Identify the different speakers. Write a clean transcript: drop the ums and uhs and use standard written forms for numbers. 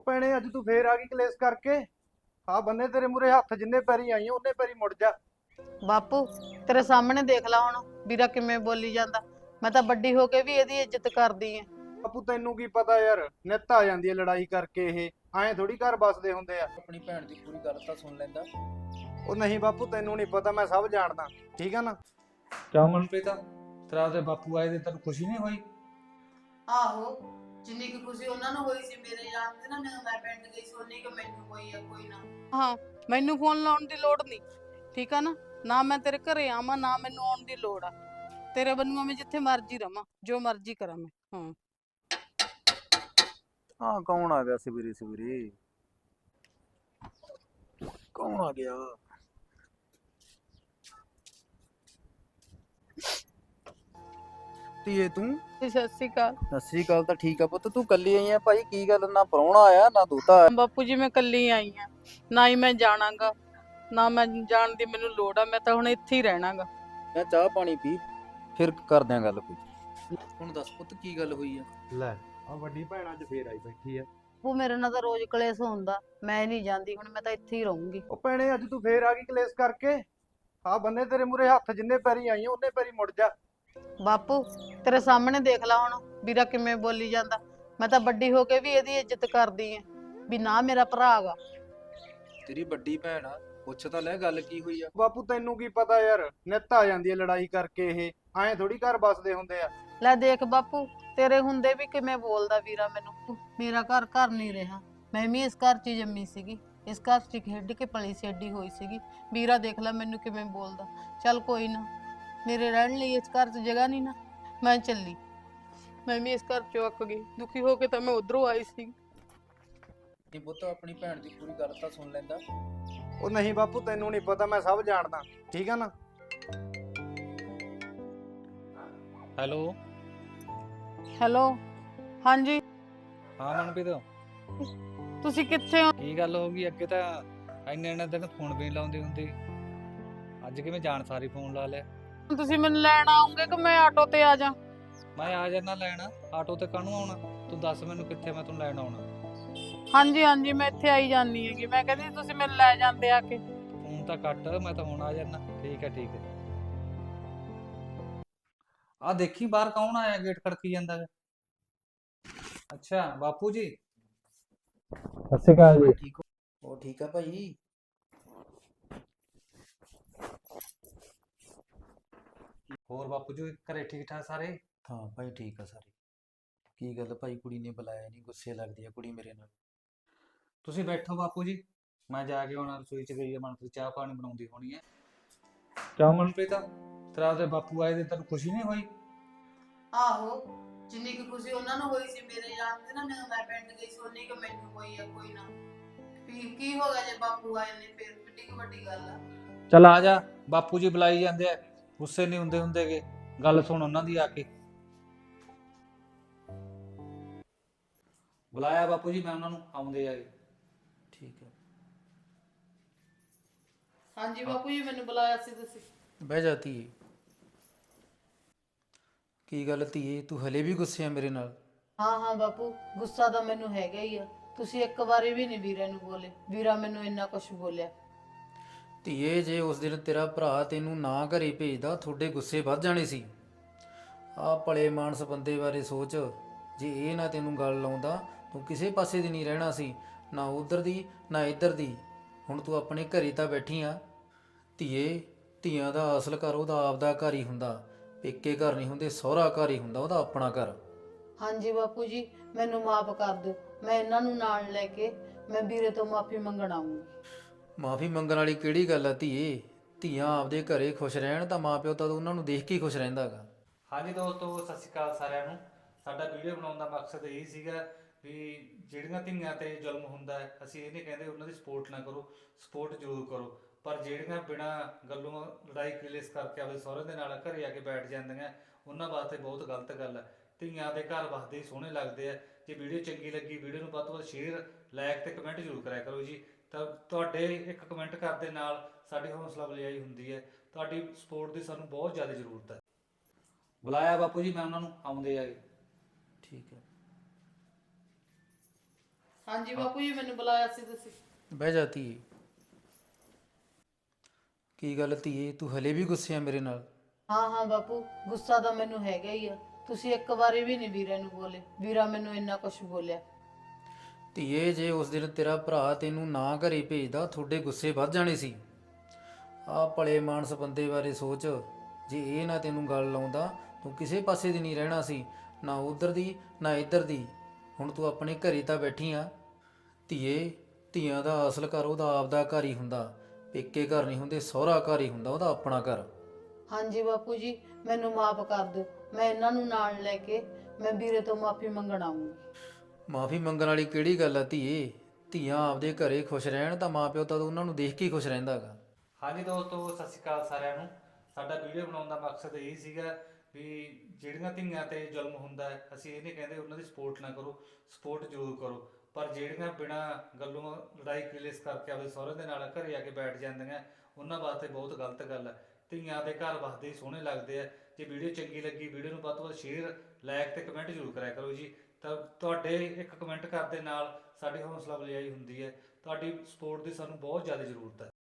Speaker 1: ਭੈਣੇ ਅੱਜ ਤੂੰ ਫੇਰ ਆ ਗਈ ਕਲੇਸ਼ ਕਰਕੇ। ਆ ਬੰਨੇ ਤੇਰੇ ਮੂਰੇ ਹੱਥ, ਜਿੰਨੇ ਪੈਰੀ ਆਈ ਆ ਉਹਨੇ ਪੈਰੀ ਮੁੜ ਜਾ।
Speaker 2: ਬਾਪੂ ਤੇਰੇ ਸਾਹਮਣੇ ਦੇਖ ਲਾ ਹੁਣ ਵੀਰਾ ਕਿਵੇਂ ਬੋਲੀ ਜਾਂਦਾ। ਮੈਂ ਤਾਂ ਵੱਡੀ ਹੋ ਕੇ ਵੀ ਇਹਦੀ ਇੱਜ਼ਤ ਕਰਦੀ ਐ।
Speaker 1: ਬਾਪੂ ਤੈਨੂੰ ਕੀ ਪਤਾ ਯਾਰ, ਨਿੱਤ ਆ ਜਾਂਦੀ ਹੈ ਲੜਾਈ ਕਰਕੇ। ਇਹ ਐਂ ਥੋੜੀ ਘਰ ਬਸਦੇ ਹੁੰਦੇ ਆ।
Speaker 3: ਆਪਣੀ ਭੈਣ ਦੀ ਪੂਰੀ ਗੱਲ ਤਾਂ ਸੁਣ ਲੈਂਦਾ।
Speaker 1: ਉਹ ਨਹੀਂ ਬਾਪੂ, ਤੈਨੂੰ ਨਹੀਂ ਪਤਾ, ਮੈਂ ਸਭ ਜਾਣਦਾ, ਠੀਕ ਆ ਨਾ।
Speaker 3: ਕਿਉਂ ਮਨਪ੍ਰੀਤ, ਤੇਰਾ ਉਹਦੇ ਬਾਪੂ ਆਏ ਦੇ ਤੈਨੂੰ ਖੁਸ਼ੀ ਨਹੀਂ ਹੋਈ?
Speaker 2: ਆਹੋ, ਜਿੰਨੀ ਕੁ ਖੁਸ਼ੀ ਉਹਨਾਂ ਨੂੰ ਹੋਈ ਸੀ ਮੇਰੇ ਜਾਣ ਤੇ ਨਾ, ਮੈਂ ਪਿੰਡ ਗਈ ਸੀ, ਉਨੀ ਕੁ ਮੈਨੂੰ ਹੋਈ ਆ। ਕੋਈ ਨਾ, ਹਾਂ ਮੈਨੂੰ ਫੋਨ ਲਾਉਣ ਦੀ ਲੋੜ ਨਹੀਂ, ਠੀਕ ਆ ਨਾ। ਨਾ ਮੈਂ ਤੇਰੇ ਘਰੇ ਆਵਾਂ, ਨਾ ਮੈਨੂੰ ਆਉਣ ਦੀ ਲੋੜ ਆ। ਤੇਰੇ ਵੱਲੋਂ ਮੈਂ ਜਿੱਥੇ ਮਰਜ਼ੀ ਰਵਾਂ, ਜੋ ਮਰਜ਼ੀ ਕਰਾਂ ਮੈਂ। ਹਾਂ
Speaker 1: ਹਾਂ, ਕੌਣ ਆ ਗਿਆ ਸਵੇਰੇ ਸਵੇਰੇ? ਕੌਣ ਆ ਗਿਆ? ਧੀਏ ਤੂੰ?
Speaker 2: ਸਤਿ ਸ਼੍ਰੀ ਅਕਾਲ।
Speaker 1: ਸਤਿ ਸ੍ਰੀ ਅਕਾਲ ਤਾਂ ਠੀਕ ਆ ਪੁੱਤ, ਤੂੰ ਕੱਲੀ ਆਈ ਆ ਭਾਈ? ਕੀ ਗੱਲ, ਨਾ ਪ੍ਰਾਹੁਣਾ ਆਇਆ ਨਾ ਦੋਤਾ ਆਇਆ?
Speaker 2: ਬਾਪੂ ਜੀ ਮੈਂ ਕੱਲੀ ਆਈ ਆ, ਨਾ ਹੀ ਮੈਂ ਜਾਣਾਗਾ, ਨਾ ਮੈਂ ਜਾਣ ਦੀ ਮੈਨੂੰ ਲੋੜ ਆ। ਮੈਂ ਤਾਂ ਹੁਣ ਇੱਥੇ ਹੀ ਰਹਿਣਾਗਾ।
Speaker 3: ਮੈਂ ਚਾਹ ਪਾਣੀ ਪੀ, ਫਿਰ ਕਰਦੇ ਆਂ ਗੱਲ ਕੋਈ। ਹੁਣ ਦੱਸ ਪੁੱਤ ਕੀ ਗੱਲ ਹੋਈ ਆ?
Speaker 1: ਲੈ ਆ ਵੱਡੀ ਭੈਣ ਅੱਜ ਫੇਰ ਆਈ ਬੈਠੀ ਆ।
Speaker 2: ਉਹ ਮੇਰੇ ਨਾਲ ਤਾਂ ਰੋਜ਼ ਕਲੇਸ਼ ਹੁੰਦਾ, ਮੈਂ ਨਹੀਂ ਜਾਂਦੀ ਹੁਣ, ਮੈਂ ਤਾਂ ਇੱਥੇ ਹੀ ਰਹੂੰਗੀ।
Speaker 1: ਉਹ ਭੈਣੇ ਅੱਜ ਤੂੰ ਫੇਰ ਆ ਗਈ ਕਲੇਸ਼ ਕਰਕੇ। ਆ ਬੰਨੇ ਤੇਰੇ ਮੂਰੇ ਹੱਥ, ਜਿੰਨੇ ਪੈਰੀ ਆਈ ਆ ਉਹਨੇ ਪੈਰੀ ਮੁੜ ਜਾ।
Speaker 2: ਬਾਪੂ ਤੇਰੇ ਸਾਹਮਣੇ ਦੇਖ ਲਾ ਹੁਣ ਵੀਰਾ ਕਿਵੇਂ ਬੋਲੀ ਜਾਂਦਾ। ਮੈਂ ਤਾਂ ਵੱਡੀ ਹੋ ਕੇ ਵੀ ਇਹਦੀ ਇੱਜ਼ਤ ਕਰਦੀ ਐ, ਵੀ ਨਾ ਮੇਰਾ ਭਰਾ ਗਾ।
Speaker 3: ਤੇਰੀ ਵੱਡੀ ਭੈਣ ਆ, ਪੁੱਛ ਤਾਂ ਲੈ ਗੱਲ ਕੀ ਹੋਈ ਆ।
Speaker 1: ਬਾਪੂ ਤੈਨੂੰ ਕੀ ਪਤਾ ਯਾਰ, ਨਿੱਤ ਆ ਜਾਂਦੀ ਹੈ ਲੜਾਈ ਕਰਕੇ। ਇਹ ਐਂ ਥੋੜੀ ਘਰ ਬਸਦੇ ਹੁੰਦੇ ਆ।
Speaker 2: ਲੈ ਦੇਖ ਬਾਪੂ, ਤੇਰੇ ਹੁੰਦੇ ਵੀ ਕਿਵੇਂ ਬੋਲਦਾ ਵੀਰਾ ਮੈਨੂੰ। ਮੇਰਾ ਘਰ ਘਰ ਨਹੀਂ ਰਿਹਾ, ਮੈਂ ਵੀ ਇਸ ਘਰ 'ਚ ਹੀ ਜੰਮੀ ਸੀਗੀ, ਇਸ ਘਰ 'ਚ ਖੇਡ ਕੇ ਪਲੀ ਛੱਡੀ ਹੋਈ ਸੀਗੀ। ਵੀਰਾ ਦੇਖ ਲੈ ਮੈਨੂੰ ਕਿਵੇਂ ਬੋਲਦਾ। ਚੱਲ ਕੋਈ ਨਾ, ਮੇਰੇ ਰਹਿਣ ਲਈ ਇਸ ਘਰ 'ਚ ਜਗ੍ਹਾ ਨਹੀਂ ਨਾ, ਮੈਂ ਚੱਲੀ। ਮੈਂ ਵੀ ਇਸ ਘਰ 'ਚੋਂ ਅੱਕ ਗਈ, ਦੁਖੀ ਹੋ ਕੇ ਤਾਂ ਮੈਂ ਉਧਰੋਂ ਆਈ ਸੀ।
Speaker 3: ਇਹ ਪੁੱਤ ਆਪਣੀ ਭੈਣ ਦੀ ਪੂਰੀ ਗੱਲ ਤਾਂ ਸੁਣ ਲੈਂਦਾ।
Speaker 1: ਉਹ ਨਹੀਂ ਬਾਪੂ, ਤੈਨੂੰ ਨਹੀਂ ਪਤਾ, ਮੈਂ ਸਭ ਜਾਣਦਾ, ਠੀਕ ਆ ਨਾ।
Speaker 3: ਹੈਲੋ।
Speaker 2: ਹੈਲੋ, ਹਾਂਜੀ
Speaker 3: ਹਾਂ ਮਨਪ੍ਰੀਤ,
Speaker 2: ਤੁਸੀਂ ਕਿੱਥੇ ਹੋ?
Speaker 3: ਕੀ ਗੱਲ ਹੋ ਗਈ? ਅੱਗੇ ਤਾਂ ਇੰਨੇ ਦਿਨ ਫੋਨ ਵੀ ਨੀ ਲਾਉਂਦੀ ਹੁੰਦੀ, ਅੱਜ ਕਿਵੇਂ ਜਾਣ ਸਾਰੀ ਫੋਨ ਲਾ ਲਿਆ?
Speaker 2: ਤੁਸੀਂ ਮੈਨੂੰ ਲੈਣ ਆਉਂਗੇ ਕਿ ਮੈਂ ਆਟੋ ਤੇ ਆ ਜਾ?
Speaker 3: ਮੈਂ ਆ ਜਾਣਾ ਲੈਣ, ਆਟੋ ਤੇ ਕਾਹਨੂੰ ਆਉਣਾ? ਤੂੰ ਦੱਸ ਮੈਨੂੰ ਕਿੱਥੇ ਮੈਂ ਤੈਨੂੰ ਲੈਣ ਆਉਣਾ।
Speaker 2: ਹਾਂਜੀ ਹਾਂਜੀ, ਮੈਂ ਇੱਥੇ ਆਈ ਜਾਂਦੀ ਹੈਗੀ। ਮੈਂ ਕਹਿੰਦੀ ਤੁਸੀਂ ਮੈਨੂੰ ਲੈ ਜਾਂਦੇ ਆ ਕੇ।
Speaker 3: ਫੋਨ ਤਾਂ ਕੱਟ, ਮੈਂ ਤਾਂ ਹੁਣ ਆ ਜਾਣਾ। ਠੀਕ ਹੈ ਠੀਕ ਹੈ। ਆ ਦੇਖੀ ਬਾਹਰ ਕੌਣ ਆਇਆ, ਗੇਟ ਖੜਕੀ ਜਾਂਦਾ ਹੈ। ਅੱਛਾ ਬਾਪੂ ਜੀ।
Speaker 1: ਸਤਿ ਸ਼੍ਰੀ ਅਕਾਲ ਜੀ।
Speaker 3: ਠੀਕ ਹੋ? ਉਹ ਠੀਕ ਆ ਭਾਈ। ਹੋਰ ਬਾਪੂ ਜੀ ਘਰੇ ਠੀਕ ਠਾਕ ਸਾਰੇ?
Speaker 4: ਹਾਂ ਭਾਈ ਠੀਕ ਆ ਸਾਰੇ। ਕੀ ਗੱਲ ਭਾਈ, ਕੁੜੀ ਨੇ ਬੁਲਾਇਆ ਨਹੀਂ? ਗੁੱਸੇ ਲੱਗਦੀ ਆ ਕੁੜੀ ਮੇਰੇ ਨਾਲ।
Speaker 3: ਤੁਸੀਂ ਬੈਠੋ ਬਾਪੂ ਜੀ, ਮੈਂ ਜਾ ਕੇ ਹੁਣ ਰਸੋਈ ਚ ਗਈ ਆ, ਮਨਪ੍ਰੀਤ ਚਾਹ ਪਾਣੀ ਬਣਾਉਂਦੀ ਹੋਣੀ ਹੈ। ਕਿਉਂ ਮਨਪ੍ਰੀਤ, ਤੇਰਾ ਉਹਦੇ ਬਾਪੂ ਆਏ ਦੇ ਤੈਨੂੰ ਖੁਸ਼ੀ ਨਹੀਂ ਹੋਈ?
Speaker 2: ਆਹੋ, ਜਿੰਨੀ ਕੁ ਖੁਸ਼ੀ ਉਹਨਾਂ ਨੂੰ ਹੋਈ ਸੀ ਮੇਰੇ ਜਾਣ ਤੇ ਨਾ, ਮੈਂ ਪਿੰਡ ਗਈ ਸੀ, ਉਨੀ ਕੁ ਮੈਨੂੰ ਹੋਈ ਆ। ਕੋਈ ਨਾ, ਕੀ ਹੋ ਗਿਆ ਜੇ ਬਾਪੂ ਆਏ ਨੇ, ਫਿਰ ਕਿੱਡੀ ਕੁ ਵੱਡੀ ਗੱਲ ਆ।
Speaker 3: ਚੱਲ ਆ ਜਾ, ਬਾਪੂ ਜੀ ਬੁਲਾਈ ਜਾਂਦੇ ਆ, ਗੁੱਸੇ ਨਹੀਂ ਹੁੰਦੇ ਹੁੰਦੇਗੇ। ਗੱਲ ਸੁਣ ਉਹਨਾਂ ਦੀ ਆ ਕੇ। ਬੁਲਾਇਆ ਬਾਪੂ ਜੀ ਮੈਂ ਉਹਨਾਂ ਨੂੰ, ਆਉਂਦੇ ਆ।
Speaker 4: ਠੀਕ ਹੈ।
Speaker 2: ਹਾਂਜੀ ਬਾਪੂ ਜੀ, ਮੈਨੂੰ ਬੁਲਾਇਆ ਸੀ ਤੁਸੀਂ?
Speaker 4: ਬਹਿ ਜਾ ਧੀਏ। ਕੀ ਗੱਲ ਧੀਏ, ਤੂੰ ਹਲੇ ਵੀ ਗੁੱਸੇ ਆ ਮੇਰੇ ਨਾਲ?
Speaker 2: ਹਾਂ ਹਾਂ ਬਾਪੂ, ਗੁੱਸਾ ਤਾਂ ਮੈਨੂੰ ਹੈਗਾ ਹੀ ਆ। ਤੁਸੀਂ ਇੱਕ ਵਾਰੀ ਵੀ ਨਹੀਂ ਵੀਰੇ ਨੂੰ ਬੋਲੇ, ਵੀਰਾ ਮੈਨੂੰ ਇੰਨਾ ਕੁਝ ਬੋਲਿਆ।
Speaker 4: ਧੀਏ, ਜੇ ਉਸ ਦਿਨ ਤੇਰਾ ਭਰਾ ਤੈਨੂੰ ਨਾ ਘਰੇ ਭੇਜਦਾ, ਤੁਹਾਡੇ ਗੁੱਸੇ ਵੱਧ ਜਾਣੇ ਸੀ। ਆਹ ਭਲੇ ਮਾਨਸ ਬੰਦੇ ਬਾਰੇ ਸੋਚ। ਜੇ ਇਹ ਨਾ ਤੈਨੂੰ ਗੱਲ ਲਾਉਂਦਾ, ਤੂੰ ਕਿਸੇ ਪਾਸੇ ਦੀ ਨਹੀਂ ਰਹਿਣਾ ਸੀ, ਨਾ ਉਧਰ ਦੀ ਨਾ ਇੱਧਰ ਦੀ। ਹੁਣ ਤੂੰ ਆਪਣੇ ਘਰੇ ਤਾਂ ਬੈਠੀ ਆ। ਧੀਏ, ਧੀਆਂ ਦਾ ਅਸਲ ਘਰ ਉਹਦਾ ਆਪਦਾ ਘਰ ਹੀ ਹੁੰਦਾ। ਪੇਕੇ ਘਰ ਨਹੀਂ ਹੁੰਦੇ, ਸਹੁਰਾ ਘਰ ਹੀ ਹੁੰਦਾ ਉਹਦਾ ਆਪਣਾ ਘਰ।
Speaker 2: ਹਾਂਜੀ ਬਾਪੂ ਜੀ, ਮੈਨੂੰ ਮਾਫ ਕਰ ਦਿਓ। ਮੈਂ ਇਹਨਾਂ ਨੂੰ ਨਾਲ ਲੈ ਕੇ ਮੈਂ ਵੀਰੇ ਤੋਂ ਮਾਫੀ ਮੰਗਣ ਆਉਂਗੀ।
Speaker 4: ਮਾਫੀ ਮੰਗਣ ਵਾਲੀ ਕਿਹੜੀ ਗੱਲ ਆ ਧੀਏ? ਧੀਆਂ ਆਪਦੇ ਘਰੇ ਖੁਸ਼ ਰਹਿਣ ਤਾਂ ਮਾਂ ਪਿਓ ਤਾਂ ਉਹਨਾਂ ਨੂੰ ਦੇਖ ਕੇ ਹੀ ਖੁਸ਼ ਰਹਿੰਦਾ ਗਾ।
Speaker 3: ਹਾਂਜੀ ਦੋਸਤੋ, ਸਤਿ ਸ਼੍ਰੀ ਅਕਾਲ ਸਾਰਿਆਂ ਨੂੰ। ਸਾਡਾ ਵੀਡੀਓ ਬਣਾਉਣ ਦਾ ਮਕਸਦ ਇਹ ਸੀਗਾ ਵੀ ਜਿਹੜੀਆਂ ਧੀਆਂ ਤੇ ਜ਼ੁਲਮ ਹੁੰਦਾ ਹੈ, ਅਸੀਂ ਇਹ ਨਹੀਂ ਕਹਿੰਦੇ ਉਹਨਾਂ ਦੀ ਸਪੋਰਟ ਨਾ ਕਰੋ, ਸਪੋਰਟ ਜ਼ਰੂਰ ਕਰੋ, ਪਰ ਜਿਹੜੀਆਂ ਬਿਨਾਂ ਗੱਲੋਂ ਲੜਾਈ ਕਲੇਸ਼ ਕਰਕੇ ਆਪਣੇ ਸਹੁਰੇ ਦੇ ਨਾਲ ਘਰੇ ਆ ਕੇ ਬੈਠ ਜਾਂਦੀਆਂ, ਉਹਨਾਂ ਵਾਸਤੇ ਬਹੁਤ ਗਲਤ ਗੱਲ ਹੈ। ਧੀਆਂ ਦੇ ਘਰ ਵਸਦੇ ਹੀ ਸੋਹਣੇ ਲੱਗਦੇ ਆ। ਜੇ ਵੀਡੀਓ ਚੰਗੀ ਲੱਗੀ, ਵੀਡੀਓ ਨੂੰ ਵੱਧ ਤੋਂ ਵੱਧ ਸ਼ੇਅਰ, ਲਾਈਕ ਤੇ ਕਮੈਂਟ ਜ਼ਰੂਰ ਕਰਿਆ ਕਰੋ ਜੀ। ਤਾਂ ਤੁਹਾਡੇ ਇੱਕ ਕਮੈਂਟ ਕਰਨ ਦੇ ਨਾਲ ਸਾਡੀ ਹੌਸਲਾ ਅਫਜ਼ਾਈ ਹੁੰਦੀ ਹੈ। ਤੁਹਾਡੀ ਸਪੋਰਟ ਦੀ ਸਾਨੂੰ ਬਹੁਤ ਜ਼ਿਆਦਾ ਜ਼ਰੂਰਤ ਹੈ। ਬੁਲਾਇਆ ਬਾਪੂ ਜੀ ਮੈਂ ਉਹਨਾਂ ਨੂੰ, ਆਉਂਦੇ ਆ।
Speaker 4: ਠੀਕ ਹੈ।
Speaker 2: ਹਾਂਜੀ ਬਾਪੂ ਜੀ, ਮੈਨੂੰ ਬੁਲਾਇਆ ਸੀ ਤੁਸੀਂ?
Speaker 4: ਬਹਿ ਜਾ ਧੀਏ। ਕੀ ਗੱਲ ਧੀਏ, ਤੂੰ ਹਲੇ ਵੀ ਗੁੱਸੇ ਆ ਮੇਰੇ ਨਾਲ?
Speaker 2: ਹਾਂ ਹਾਂ ਬਾਪੂ, ਗੁੱਸਾ ਤਾਂ ਮੈਨੂੰ ਹੈਗਾ ਹੀ ਆ। ਤੁਸੀਂ ਇੱਕ ਵਾਰੀ ਵੀ ਨਹੀਂ ਵੀਰੇ ਨੂੰ ਬੋਲੇ, ਵੀਰਾ ਮੈਨੂੰ ਇੰਨਾ ਕੁਝ ਬੋਲਿਆ।
Speaker 4: ਧੀਏ, ਜੇ ਉਸ ਦਿਨ ਤੇਰਾ ਭਰਾ ਤੈਨੂੰ ਨਾ ਘਰੇ ਭੇਜਦਾ, ਤੁਹਾਡੇ ਗੁੱਸੇ ਵੱਧ ਜਾਣੇ ਸੀ। ਆਹ ਭਲੇ ਮਾਨਸ ਬੰਦੇ ਬਾਰੇ ਸੋਚ, ਜੇ ਇਹ ਨਾ ਤੈਨੂੰ ਗੱਲ ਲਾਉਂਦਾ ਤੂੰ ਕਿਸੇ ਪਾਸੇ ਦੀ ਨਹੀਂ ਰਹਿਣਾ ਸੀ, ਨਾ ਉਧਰ ਦੀ ਨਾ ਇੱਧਰ ਦੀ। ਹੁਣ ਤੂੰ ਆਪਣੇ ਘਰੇ ਤਾਂ ਬੈਠੀ ਆ। ਧੀਏ, ਧੀਆਂ ਦਾ ਅਸਲ ਘਰ ਉਹਦਾ ਆਪਦਾ ਘਰ ਹੀ ਹੁੰਦਾ, ਪੇਕੇ ਘਰ ਨਹੀਂ ਹੁੰਦੇ, ਸਹੁਰਾ ਘਰ ਹੀ ਹੁੰਦਾ ਉਹਦਾ ਆਪਣਾ ਘਰ।
Speaker 2: ਹਾਂਜੀ ਬਾਪੂ ਜੀ, ਮੈਨੂੰ ਮਾਫ ਕਰ ਦਿਓ। ਮੈਂ ਇਹਨਾਂ ਨੂੰ ਨਾਲ ਲੈ ਕੇ ਮੈਂ ਵੀਰੇ ਤੋਂ ਮਾਫੀ ਮੰਗਣ ਆਉਂਗੀ।
Speaker 4: ਮਾਫੀ ਮੰਗਣ ਵਾਲੀ ਕਿਹੜੀ ਗੱਲ ਆ ਧੀਏ? ਧੀਆਂ ਆਪਦੇ ਘਰੇ ਖੁਸ਼ ਰਹਿਣ ਤਾਂ ਮਾਪਿਓ ਤਾਂ ਉਹਨਾਂ ਨੂੰ ਦੇਖ ਕੇ ਹੀ ਖੁਸ਼ ਰਹਿੰਦਾ ਹੈਗਾ।
Speaker 3: ਹਾਂਜੀ ਦੋਸਤੋ, ਸਤਿ ਸ਼੍ਰੀ ਅਕਾਲ ਸਾਰਿਆਂ ਨੂੰ। ਸਾਡਾ ਵੀਡੀਓ ਬਣਾਉਣ ਦਾ ਮਕਸਦ ਇਹ ਸੀਗਾ ਵੀ ਜਿਹੜੀਆਂ ਧੀਆਂ ਤੇ ਜ਼ੁਲਮ ਹੁੰਦਾ ਹੈ, ਅਸੀਂ ਇਹ ਨਹੀਂ ਕਹਿੰਦੇ ਉਹਨਾਂ ਦੀ ਸਪੋਰਟ ਨਾ ਕਰੋ, ਸਪੋਰਟ ਜ਼ਰੂਰ ਕਰੋ, ਪਰ ਜਿਹੜੀਆਂ ਬਿਨਾਂ ਗੱਲੋਂ ਲੜਾਈ ਕਲੇਸ਼ ਕਰਕੇ ਆਪਦੇ ਸਹੁਰੇ ਦੇ ਨਾਲ ਘਰੇ ਆ ਕੇ ਬੈਠ ਜਾਂਦੀਆਂ, ਉਹਨਾਂ ਵਾਸਤੇ ਬਹੁਤ ਗਲਤ ਗੱਲ ਹੈ। ਧੀਆਂ ਦੇ ਘਰ ਵਸਦੇ ਹੀ ਸੋਹਣੇ ਲੱਗਦੇ ਆ। ਜੇ ਵੀਡੀਓ ਚੰਗੀ ਲੱਗੀ, ਵੀਡੀਓ ਨੂੰ ਵੱਧ ਤੋਂ ਵੱਧ ਸ਼ੇਅਰ, ਲਾਈਕ ਤੇ ਕਮੈਂਟ ਜ਼ਰੂਰ ਕਰਿਆ ਕਰੋ ਜੀ। ਤਾਂ ਤੁਹਾਡੇ ਇੱਕ ਕਮੈਂਟ ਕਰਨ ਦੇ ਨਾਲ ਸਾਡੀ ਹੌਸਲਾ ਅਫਜ਼ਾਈ ਹੁੰਦੀ ਹੈ। ਤੁਹਾਡੀ ਸਪੋਰਟ ਦੀ ਸਾਨੂੰ ਬਹੁਤ ਜ਼ਿਆਦਾ ਜ਼ਰੂਰਤ ਹੈ।